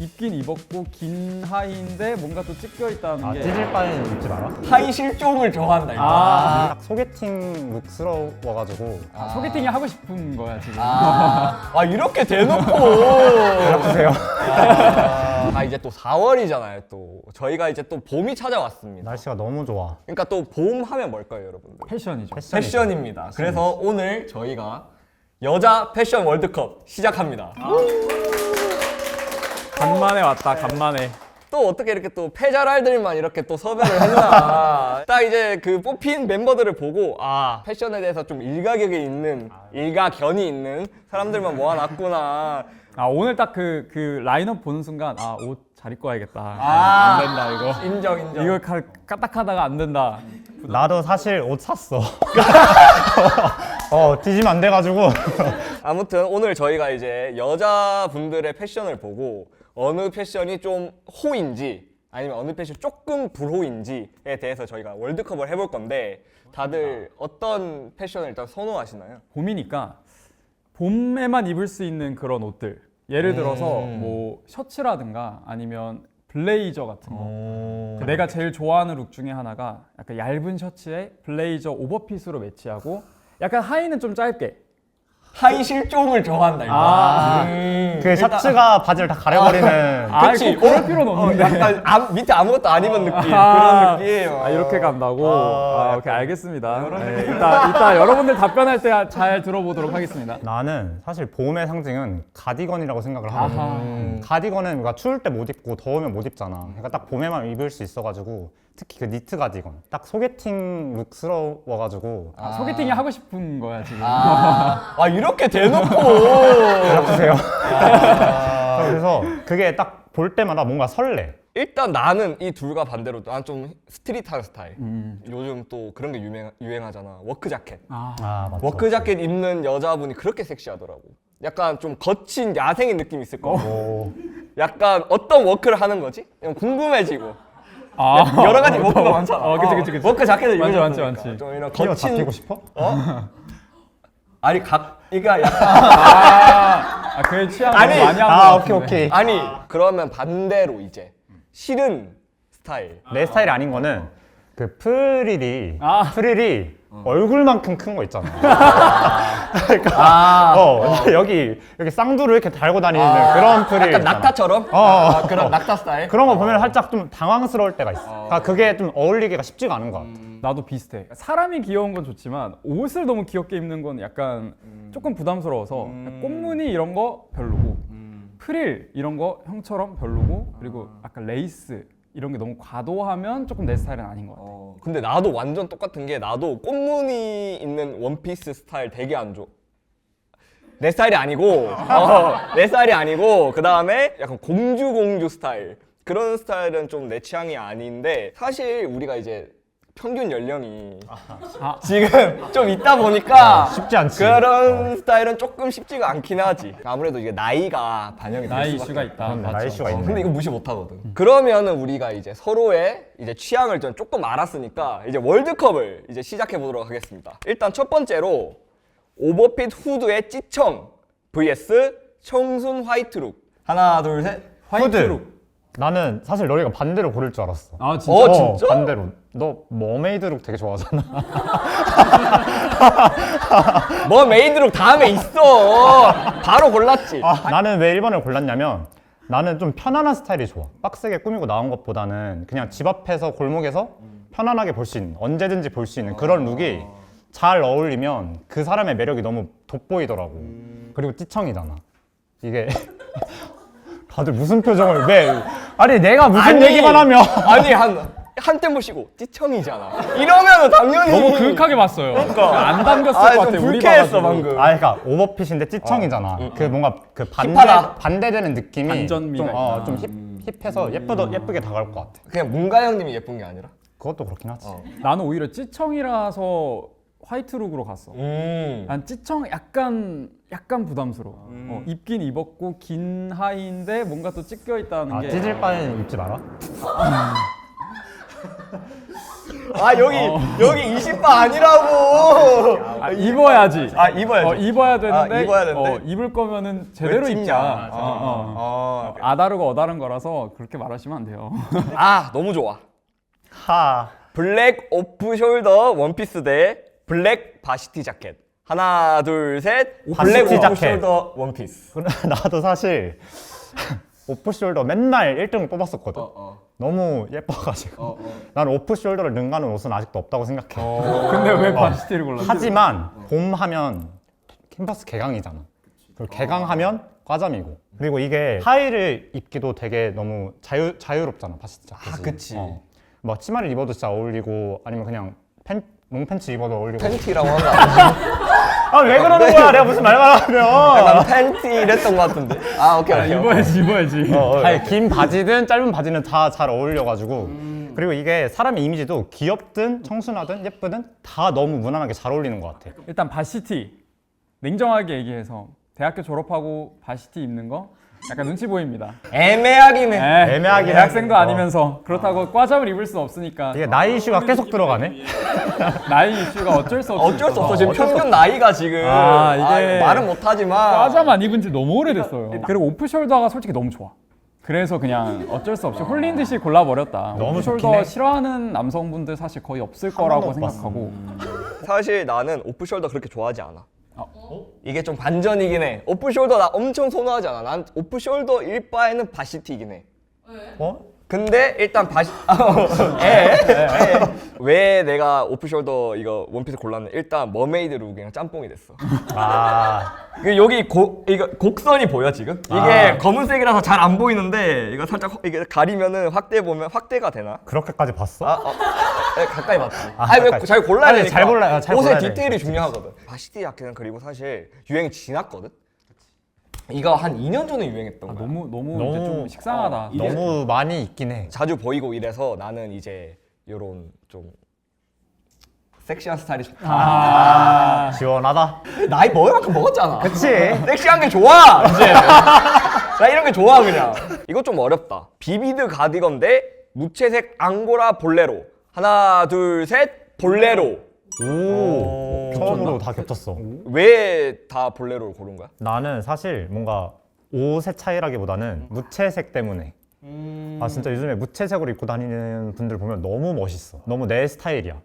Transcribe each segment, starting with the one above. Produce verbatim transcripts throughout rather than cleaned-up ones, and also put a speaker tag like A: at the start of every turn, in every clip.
A: 입긴 입었고 긴 하의인데 뭔가 또 찢겨 있다는
B: 아,
A: 게.
B: 찢을 바에는 입지 마라.
C: 하이 실종을 좋아한다 이거.
A: 아,
B: 딱 소개팅 룩스러워가지고
A: 아, 소개팅이 하고 싶은 거야 지금.
C: 아, 아 이렇게 대놓고.
B: 연락주세요.
C: 아 이제 또 사월이잖아요. 또 저희가 이제 또 봄이 찾아왔습니다.
B: 날씨가 너무 좋아.
C: 그러니까 또 봄 하면 뭘까요, 여러분들?
A: 패션이죠.
B: 패션이죠.
C: 패션입니다. 그래서 오늘 저희가 여자 패션 월드컵 시작합니다.
A: 간만에 왔다. 간만에.
C: 또 어떻게 이렇게 또 패자랄들만 이렇게 또 섭외를 했나. 딱 이제 그 뽑힌 멤버들을 보고 아 패션에 대해서 좀 일가견이 있는 일가견이 있는 사람들만 모아놨구나.
A: 아 오늘 딱 그 그 라인업 보는 순간 아 옷 잘 입고 와야겠다.
C: 아.
A: 안 된다 이거.
C: 인정 인정.
A: 이거 가, 까딱하다가 안 된다.
B: 나도 사실 옷 샀어. 어, 뒤지면 안 돼가지고.
C: 아무튼 오늘 저희가 이제 여자분들의 패션을 보고 어느 패션이 좀 호인지 아니면 어느 패션이 조금 불호인지에 대해서 저희가 월드컵을 해볼 건데 다들 어떤 패션을 일단 선호하시나요?
A: 봄이니까 봄에만 입을 수 있는 그런 옷들. 예를 들어서
C: 음.
A: 뭐 셔츠라든가 아니면 블레이저 같은 거.
C: 음.
A: 그 내가 제일 좋아하는 룩 중에 하나가 약간 얇은 셔츠에 블레이저 오버핏으로 매치하고 약간 하의는 좀 짧게.
C: 하이 실종을 좋아한다 이거.
A: 아.
C: 음.
B: 그 셔츠가 바지를 다 가려버리는.
A: 아,
C: 그치.
A: 꼭 그럴 필요는
C: 어,
A: 없는데.
C: 약간 아, 밑에 아무것도 안 입은 느낌
A: 아,
C: 그런 느낌.
A: 아, 이렇게 간다고?
C: 아,
A: 아, 오케이, 알겠습니다. 네, 이따, 이따 여러분들 답변할 때 잘 들어보도록 하겠습니다.
B: 나는 사실 봄의 상징은 가디건이라고 생각을 하거든.
A: 아하.
B: 음. 가디건은 뭔가 추울 때 못 입고 더우면 못 입잖아. 그러니까 딱 봄에만 입을 수 있어가지고 특히 그 니트 가디건. 딱 소개팅 룩스러워가지고.
A: 아, 소개팅이 하고 싶은 거야, 지금.
C: 아, 아 이렇게 대놓고.
B: 연락주세요. 그래서 그게 딱 볼 때마다 뭔가 설레.
C: 일단 나는 이 둘과 반대로 난 좀 스트릿한 스타일.
A: 음.
C: 요즘 또 그런 게 유행, 유행하잖아. 워크 자켓.
A: 아,
B: 아, 맞죠.
C: 워크 자켓 입는 여자분이 그렇게 섹시하더라고. 약간 좀 거친 야생의 느낌 있을 거고.
B: 오.
C: 약간 어떤 워크를 하는 거지? 그냥 궁금해지고.
A: 아.
C: 여러 가지 워크가 많잖아.
A: 어, 그치, 그치, 그치.
C: 워크 자켓을
A: 많지,
C: 입으셨으니까.
A: 많지, 많지.
C: 좀 이런
B: 끼어
C: 거친.
B: 잡히고 싶어?
C: 어? 아니 각 이가 약간
A: 아, 아 그의 취향을
C: 아니,
A: 많이 한것
B: 아, 오케이,
A: 같은데.
B: 오케이.
C: 아니 그러면 반대로 이제 싫은 스타일.
B: 내 스타일이 아닌 거는 그 프릴이
A: 아.
B: 프릴이 얼굴만큼 큰 거 있잖아.
C: 아,
B: 어, 여기 여기 쌍두를 이렇게 달고 다니는 그런 프릴.
C: 약간
B: 있잖아.
C: 낙타처럼?
B: 어, 어,
C: 아,
B: 어.
C: 그런 낙타 스타일?
B: 그런 거 보면 살짝 좀 당황스러울 때가 있어. 그러니까 그게 좀 어울리기가 쉽지가 않은 것 같아.
A: 나도 비슷해. 사람이 귀여운 건 좋지만 옷을 너무 귀엽게 입는 건 약간 조금 부담스러워서 꽃무늬 이런 거 별로고 프릴 이런 거 형처럼 별로고 그리고 약간 레이스 이런 게 너무 과도하면 조금 내 스타일은 아닌 것 같아.
C: 어, 근데 나도 완전 똑같은 게 나도 꽃무늬 있는 원피스 스타일 되게 안 좋아. 내 스타일이 아니고 어, 내 스타일이 아니고 그 다음에 약간 공주 공주 스타일 그런 스타일은 좀 내 취향이 아닌데 사실 우리가 이제 평균 연령이
A: 아.
C: 지금 좀 있다 보니까
B: 쉽지 않지.
C: 그런 스타일은 조금 쉽지가 않긴 하지. 아무래도 이게 나이가 반영이 될
A: 나이
C: 수밖에
A: 이슈가 있다.
B: 그런
A: 맞죠.
B: 나이 이슈가
C: 어,
B: 있네.
C: 근데 이거 무시 못 하거든. 그러면은 우리가 이제 서로의 이제 취향을 좀 조금 알았으니까 이제 월드컵을 이제 시작해 보도록 하겠습니다. 일단 첫 번째로 오버핏 후드의 찌청 vs 청순 화이트룩. 하나 둘 셋.
A: 화이트
B: 후드.
A: 룩.
B: 나는 사실 너희가 반대로 고를 줄 알았어.
A: 아 진짜?
C: 어, 진짜?
B: 반대로. 너 머메이드룩 되게 좋아하잖아.
C: 뭐 메이드룩 다음에 있어. 바로 골랐지.
B: 아, 나는 왜 일 번을 골랐냐면 나는 좀 편안한 스타일이 좋아. 빡세게 꾸미고 나온 것보다는 그냥 집 앞에서 골목에서 편안하게 볼 수 있는, 언제든지 볼 수 있는 그런 룩이 잘 어울리면 그 사람의 매력이 너무 돋보이더라고. 그리고 찌청이잖아. 이게 다들 무슨 표정을 왜? 아니 내가 무슨
C: 아니,
B: 얘기만 하면
C: 아니 한 한때 보시고 찌청이잖아. 이러면은 당연히
A: 너무 그윽하게 봤어요. 안 담겼을
C: 아,
A: 것
C: 좀
A: 같아. 우리
C: 불쾌했어
A: 봐가지고.
C: 방금.
B: 아, 그러니까 오버핏인데 찌청이잖아. 그 뭔가 그 반대
C: 힙하다.
B: 반대되는 느낌이
A: 반전미가
B: 좀, 어,
A: 있다.
B: 좀 힙, 힙해서 예쁘더 예쁘게 다가올 것 같아.
C: 그냥 문가 형님이 예쁜 게 아니라.
B: 그것도 그렇긴 하지.
C: 어.
A: 나는 오히려 찌청이라서 화이트 룩으로 갔어.
C: 음.
A: 난 찌청 약간 약간 부담스러워. 어, 입긴 입었고 긴 하의인데 뭔가 또 찢겨 있다는
B: 아,
A: 게.
B: 찢을 바에는 입지 마라.
C: 아 여기 여기 이십 바 아니라고.
A: 아, 입어야지.
C: 아 입어야지.
A: 어, 입어야 되는데,
C: 아, 입어야 되는데?
A: 어, 입을 거면은 제대로
C: 왜 찝냐.
A: 입자.
C: 아,
A: 어, 어.
C: 아,
A: 아다르고 어다른 거라서 그렇게 말하시면 안 돼요.
C: 아 너무 좋아.
B: 하.
C: 블랙 오프 숄더 원피스 대 블랙 바시티 자켓. 하나 둘 셋. 블랙
B: 바시티
C: 오프
B: 자켓.
C: 숄더 원피스.
B: 나도 사실 오프숄더 맨날 일 등 뽑았었거든.
C: 어.
B: 너무 예뻐가지고.
C: 어, 어.
B: 난 오프숄더를 능가하는 옷은 아직도 없다고 생각해.
A: 근데 왜 바시티를 골랐지?
B: 하지만 봄 하면 캠퍼스 개강이잖아. 그리고 개강하면 과잠이고. 그리고 이게 하의를 입기도 되게 너무 자유 자유롭잖아 바시티 자켓이.
C: 아, 그치.
B: 어. 뭐 치마를 입어도 진짜 어울리고 아니면 그냥 팬 롱팬츠 입어도 어울리고.
C: 팬티라고 하는 거 아니야?
B: 아 왜 그러는 거야? 내가 무슨 말만 하면.
C: 난 팬티 이랬던 거 같은데. 아 오케이 오케이. 오케이.
A: 입어야지, 입어야지.
C: 어, 어,
B: 아니 긴 바지든 짧은 바지는 다 잘 어울려가지고 그리고 이게 사람의 이미지도 귀엽든 청순하든 예쁘든 다 너무 무난하게 잘 어울리는 것 같아.
A: 일단 바시티. 냉정하게 얘기해서 대학교 졸업하고 바시티 입는 거 약간 눈치 보입니다.
C: 애매하긴 해.
A: 에,
B: 애매하긴
A: 대학생도
B: 해.
A: 아니면서 그렇다고 과잠을 입을 수 없으니까
B: 이게 나이 이슈가 계속 들어가네.
A: 나이 이슈가 어쩔 수 없어.
C: 어쩔 수 없어. 지금 평균 나이가 지금
A: 아, 이게
C: 말은 못하지만
A: 과잠 안 입은 지 너무 오래됐어요. 그리고 오프숄더가 솔직히 너무 좋아. 그래서 그냥 어쩔 수 없이 홀린 듯이 골라버렸다.
B: 너무 좋긴
A: 오프숄더
B: 해.
A: 싫어하는 남성분들 사실 거의 없을
B: 번도
A: 거라고
B: 못 봤어.
A: 생각하고
C: 사실 나는 오프숄더 그렇게 좋아하지 않아.
A: 아,
C: 이게 좀 반전이긴 해. 오프숄더 나 엄청 선호하지 않아. 난 오프숄더 일 바에는 바시티이긴 해.
B: 어?
C: 근데 일단 바시 에? 에? 왜 내가 오프숄더 이거 원피스 골랐냐? 일단 머메이드 룩이랑 짬뽕이 됐어.
B: 아
C: 이게 여기 고, 이거 곡선이 보여 지금? 이게
B: 아.
C: 검은색이라서 잘 안 보이는데 이거 살짝 확- 이게 가리면은 확대 보면 확대가 되나?
B: 그렇게까지 봤어?
C: 아, 어, 네, 가까이 봤지.
B: 아,
C: 아니
B: 가까이.
C: 왜잘 골라야
B: 아니,
C: 되니까.
B: 잘 골라야- 잘
C: 옷의
B: 골라야 돼.
C: 디테일이 중요하거든. 바시티 자켓은 그리고 사실 유행이 지났거든. 이거 한 이 년 전에 유행했던
A: 아,
C: 거야.
A: 너무 너무,
B: 너무-
A: 이제 좀 식상하다.
B: 너무 많이 있긴 해.
C: 자주 보이고 이래서 나는 이제 요런 좀 섹시한 스타일이 좋다.
A: 아,
B: 시원하다.
C: 나이 먹을만큼 먹었잖아.
B: 그치?
C: 섹시한 게 좋아 이제. 나 이런 게 좋아 그냥. 이거 좀 어렵다. 비비드 가디건 대 무채색 앙고라 볼레로. 하나 둘 셋 볼레로.
B: 오, 처음으로 다 겹쳤어.
C: 왜 다 볼레로를 고른 거야?
B: 나는 사실 뭔가 옷의 차이라기보다는 무채색 때문에. 아 진짜 요즘에 무채색으로 입고 다니는 분들 보면 너무 멋있어. 너무 내 스타일이야.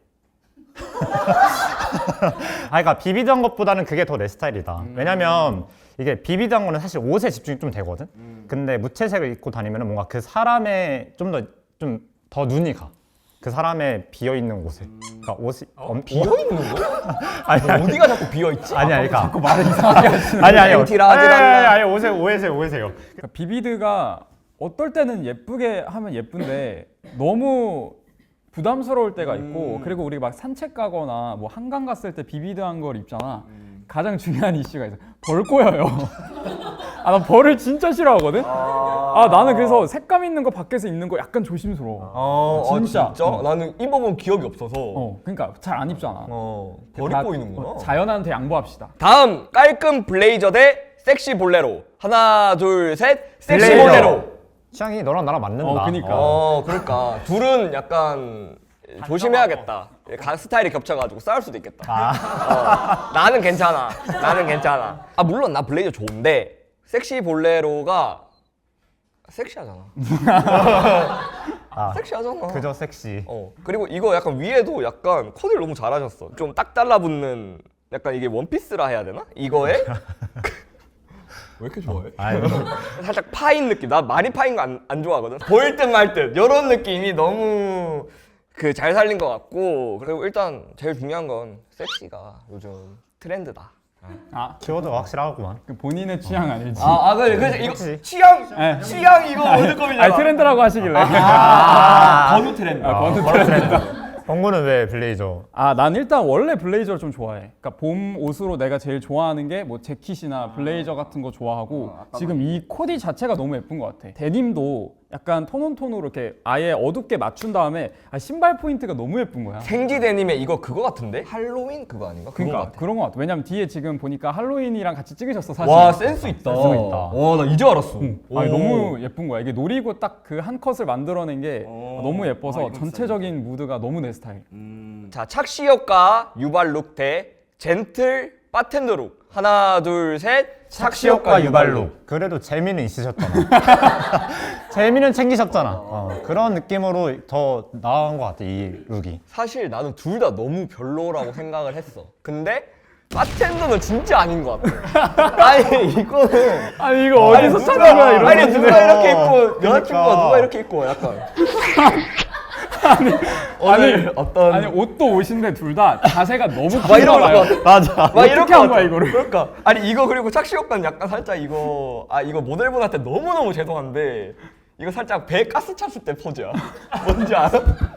B: 아 그러니까 비비드한 것보다는 그게 더 내 스타일이다. 왜냐면 이게 비비드한 거는 사실 옷에 집중이 좀 되거든. 근데 무채색을 입고 다니면 뭔가 그 사람의 좀 더 좀 더 눈이 가. 그 사람의 비어 있는 곳에. 그러니까 옷이 엄-
C: 비어 있는 거?
B: 아니 아니
C: 어디가 자꾸 비어 있지?
B: 아니 아니 그러니까
A: 자꾸 말을 이상하게 하시는.
B: 아니 아니요.
C: 엠티라 하질
B: 아니,
C: 않나?
B: 아니, 아니 오세요 오해세요 오해세요.
A: 그러니까 비비드가 어떨 때는 예쁘게 하면 예쁜데 너무 부담스러울 때가 있고
C: 음.
A: 그리고 우리 막 산책 가거나 뭐 한강 갔을 때 비비드한 걸 입잖아. 가장 중요한 이슈가 있어. 벌 꼬여요. 아, 나 벌을 진짜 싫어하거든. 아, 나는 그래서 색감 있는 거 밖에서 입는 거 약간 조심스러워.
C: 어,
A: 진짜.
C: 아, 진짜?
A: 어.
C: 나는 입어본 기억이 없어서.
A: 어, 그러니까 잘 안 입잖아.
C: 어, 벌이
A: 다-
C: 보이는구나.
A: 어, 자연한테 양보합시다.
C: 다음 깔끔 블레이저 대 섹시 볼레로. 하나 둘 셋. 섹시
B: 블레이저.
C: 볼레로.
B: 취향이 너랑 나랑 맞는다.
A: 어, 그니까.
C: 어, 그러니까 둘은 약간 조심해야겠다. 가- 스타일이 겹쳐가지고 싸울 수도 있겠다. 어, 나는 괜찮아. 나는 괜찮아. 아 물론 나 블레이저 좋은데 섹시 볼레로가 섹시하잖아.
B: 아,
C: 섹시하잖아.
B: 그저 섹시.
C: 어 그리고 이거 약간 위에도 약간 코디를 너무 잘하셨어. 좀 딱 달라붙는 약간 이게 원피스라 해야 되나? 이거에 왜 이렇게 좋아해?
B: 아니,
C: 살짝 파인 느낌. 나 많이 파인 거 안 안 좋아하거든. 보일 듯 말 듯. 이런 느낌이 너무 그 잘 살린 것 같고 그리고 일단 제일 중요한 건 섹시가 요즘 트렌드다.
A: 아,
B: 키워드가 확실하구만.
A: 그 본인의 취향 아닐지.
C: 아, 아 그래 그래서 이거
B: 그치.
C: 취향
A: 네.
C: 취향 이거 월드컵이잖아.
A: 아니, 트렌드라고 하시길래.
C: 아, 번우 트렌드.
A: 아, 번우
B: 트렌드. 범구는 왜 블레이저?
A: 아, 난 일단 원래 블레이저를 좀 좋아해. 그러니까 봄 옷으로 내가 제일 좋아하는 게 뭐 재킷이나 블레이저 같은 거 좋아하고 지금 이 코디 자체가 너무 예쁜 것 같아. 데님도 약간 톤온톤으로 이렇게 아예 어둡게 맞춘 다음에 아, 신발 포인트가 너무 예쁜 거야.
C: 생지 데님의 이거 그거 같은데? 할로윈 그거 아닌가? 그거
A: 그러니까
C: 같아.
A: 그런 거 같아. 왜냐면 뒤에 지금 보니까 할로윈이랑 같이 찍으셨어 사실.
C: 와 센스 있다.
B: 센스가 있다.
C: 와 나 이제 알았어.
A: 아니,
C: 오.
A: 너무 예쁜 거야. 이게 노리고 딱 그 한 컷을 만들어낸 게
C: 오.
A: 너무
C: 아,
A: 예뻐서
C: 이건
A: 전체적인 무드가 너무 내 스타일.
C: 자 착시효과 유발 룩 대 젠틀 바텐더 룩. 하나 둘 셋.
B: 착시효과 유발룩. 그래도 재미는 있으셨잖아. 재미는 챙기셨잖아. 어, 그런 느낌으로 더 나은 것 같아 이 룩이.
C: 사실 나는 둘 다 너무 별로라고 생각을 했어. 근데 바텐더는 진짜 아닌 것 같아. 아니 이거는
A: 아니 이거
C: 아니, 누가- 아니 누가 이렇게 입고 여자친구가 누가 이렇게 입고 약간
A: 아니,
C: 오늘 어떤
A: 아니 옷도 옷인데 둘 다 자세가 너무
C: 막 이런
A: 큰가 봐요.
C: 거
B: 맞아.
C: 막 이런
A: 어떻게
C: 거
A: 한 거야,
C: 같아.
A: 이거를?
C: 그러니까 아니 이거 그리고 착시효과는 약간 살짝 이거 아 이거 모델분한테 너무 너무 죄송한데 이거 살짝 배 가스 찼을 때 포즈야. 뭔지 알아?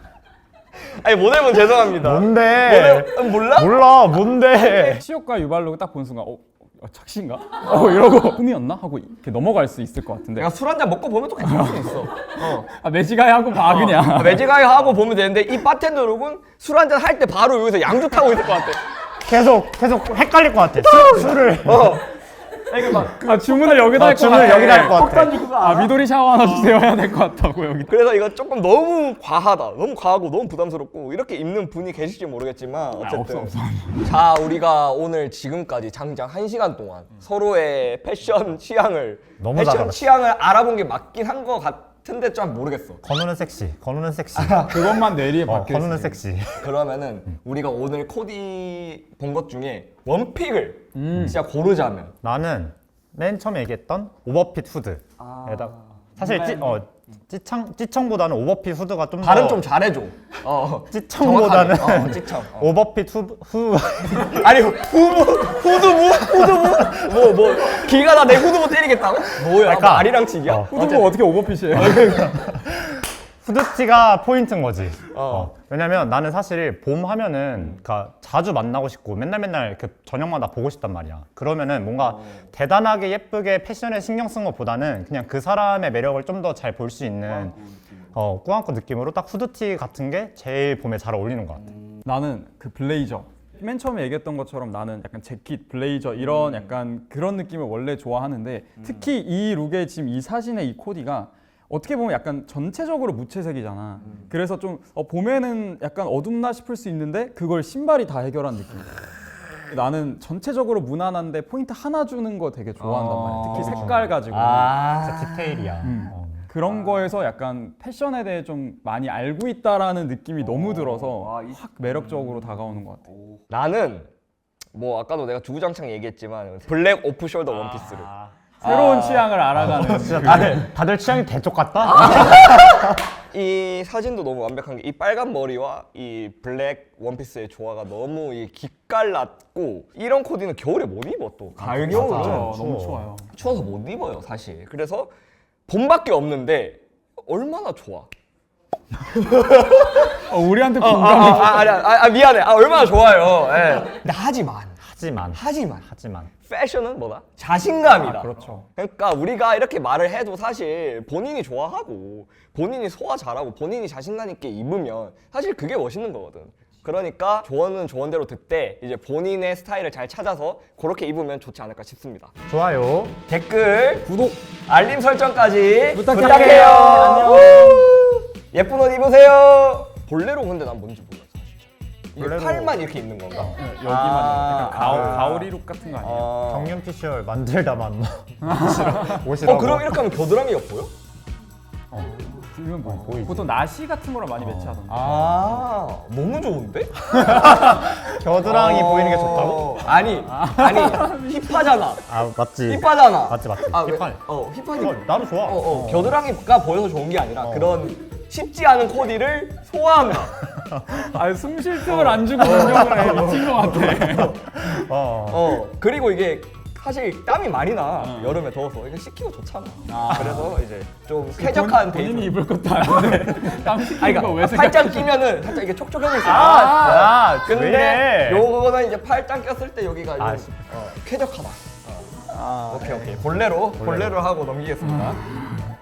C: 아니 모델분 죄송합니다.
B: 뭔데?
C: 모델 몰라?
B: 몰라 뭔데?
A: 시효과 유발로 딱 본 순간 어, 어 착시인가? 어 이러고 흠이었나? 하고 이렇게 넘어갈 수 있을 것 같은데.
C: 내가 술 한 잔 먹고 보면 또 괜찮을 수 있어. 어.
A: 아 매지가이 하고 봐 그냥.
C: 매직아이 하고 보면 되는데 이 바텐더 룩은 술 한 잔 할 때 바로 여기서 양주 타고 있을 것 같아.
B: 계속 계속 헷갈릴 것 같아. 술, 술을.
C: 어.
A: 아 주문을 여기다
B: 아,
A: 할 것
B: 주문을
A: 같아.
B: 여기다 할것 같아.
A: 아 미도리 샤워 하나 주세요 해야 될 것 같다고 여기.
C: 그래서 이거 조금 너무 과하다. 너무 과하고 너무 부담스럽고 이렇게 입는 분이 계실지 모르겠지만 어쨌든
A: 없어, 없어.
C: 자 우리가 오늘 지금까지 장장 한 시간 동안 서로의 패션 취향을
B: 너무
C: 패션
B: 잘 알았어.
C: 취향을 알아본 게 맞긴 한 것 같은데 좀 모르겠어.
B: 건우는 섹시. 건우는 섹시.
A: 그것만 내리에
B: 어,
A: 박혀
B: 건우는
A: 있어.
B: 섹시.
C: 그러면은 우리가 오늘 코디 본 것 중에 원픽을 진짜 고르자면
B: 나는 맨 처음에 얘기했던 오버핏 후드에다가 사실 찌, 어, 찌청, 찌청보다는 오버핏 후드가 좀
C: 발음
B: 더
C: 좀 잘해줘. 어.
B: 찌청보다는
C: 정확하게. 어, 찌청. 어.
B: 오버핏 후, 후
C: 아니 후부 후두부 후두부 뭐 뭐 기가 다 내 후두부 때리겠다고? 뭐야?
B: 그러니까,
C: 말이랑 치기야?
B: 어.
A: 후드가 어떻게 오버핏이에요?
B: 후드티가 포인트인 거지.
C: 어.
B: 어. 왜냐면 나는 사실 봄 하면은 그러니까 자주 만나고 싶고 맨날 맨날 그 저녁마다 보고 싶단 말이야. 그러면은 뭔가 대단하게 예쁘게 패션에 신경 쓴 것보다는 그냥 그 사람의 매력을 좀 더 잘 볼 수 있는 어, 꾸안꾸 느낌으로 딱 후드티 같은 게 제일 봄에 잘 어울리는 것 같아.
A: 나는 그 블레이저. 맨 처음에 얘기했던 것처럼 나는 약간 재킷, 블레이저 이런 약간 그런 느낌을 원래 좋아하는데 특히 이 룩의 지금 이 사진의 이 코디가 어떻게 보면 약간 전체적으로 무채색이잖아. 그래서 좀 어, 봄에는 약간 어둡나 싶을 수 있는데 그걸 신발이 다 해결한 느낌이야. 나는 전체적으로 무난한데 포인트 하나 주는 거 되게 좋아한단 말이야. 특히 색깔 가지고.
C: 아
B: 진짜 디테일이야.
A: 음.
B: 어.
A: 그런 거에서 약간 패션에 대해 좀 많이 알고 있다라는 느낌이 너무 들어서 확 매력적으로 다가오는 것 같아.
C: 나는 뭐 아까도 내가 주구장창 얘기했지만 블랙 오프숄더 원피스를
A: 새로운 취향을 알아가는.
B: 진짜
A: 그-
B: 다들, 다들 취향이 대쪽 같다?
C: 이 사진도 너무 완벽한 게 이 빨간 머리와 이 블랙 원피스의 조화가 너무 이 기깔났고 이런 코디는 겨울에 못 입어 또 가을 겨울은
A: 맞아,
B: 추워.
A: 너무 추워요.
C: 추워서 못 입어요 사실. 그래서 봄밖에 없는데 얼마나 좋아.
A: 어, 우리한테
C: 아,
A: 공감이.
C: 아, 아, 아니, 아, 아 미안해. 아 얼마나 좋아요. 예. 근데 하지만
B: 하지만
C: 하지만
B: 하지만
C: 패션은 뭐다? 자신감이다.
A: 아, 그렇죠.
C: 그러니까 우리가 이렇게 말을 해도 사실 본인이 좋아하고 본인이 소화 잘하고 본인이 자신감 있게 입으면 사실 그게 멋있는 거거든. 그러니까 조언은 조언대로 듣되 이제 본인의 스타일을 잘 찾아서 그렇게 입으면 좋지 않을까 싶습니다.
B: 좋아요.
C: 댓글, 구독, 알림 설정까지
A: 부탁해요.
C: 부탁해요.
A: 안녕.
C: 우! 예쁜 옷 입으세요. 볼레로 근데 난 뭔지 몰라 사실. 이게
B: 볼레로.
C: 팔만 이렇게 입는 건가?
A: 네, 여기만
C: 아,
A: 약간 가오,
B: 아.
A: 가오리 룩 같은 거 아니에요?
C: 아.
B: 정년 피셜 만들다만 옷이라고.
C: 어 그럼 이렇게 하면 겨드랑이가 보여?
A: 이건 뭐
B: 보이지.
A: 보통 나시 같은 거랑 많이 매치하던데.
C: 아 너무 좋은데?
B: 겨드랑이
C: 어.
B: 보이는 게 좋다고?
C: 아니 아니 힙하잖아.
B: 아 맞지.
C: 힙하잖아.
B: 맞지 맞지.
C: 아, 왜-
B: 힙하네.
C: 어 힙하니.
B: 어, 나도 좋아.
C: 어, 어, 겨드랑이가 보여서 좋은 게 아니라 그런 쉽지 않은 코디를 소화한다.
A: 아, 숨 쉴 틈을 안 주고 운동을 해. 미친 것 같아.
B: 어.
C: 어 그리고 이게 사실 땀이 많이 나 여름에 더워서 이거 식히고 좋잖아. 그래서 이제 좀 쾌적한
A: 본,
C: 데이트.
A: 본인이 입을 것도 아닌데 땀
C: 아니
A: 식히는 거 왜
C: 그러니까
A: 생각?
C: 팔짱 끼면은 살짝 이게 촉촉해질 수 있어.
B: 아, 왜
C: 근데
B: 이래?
C: 요거는 이제 팔짱 꼈을 때 여기가
B: 아,
C: 좀, 어, 쾌적하다. 어. 오케이 오케이 볼레로 볼레로 하고 넘기겠습니다.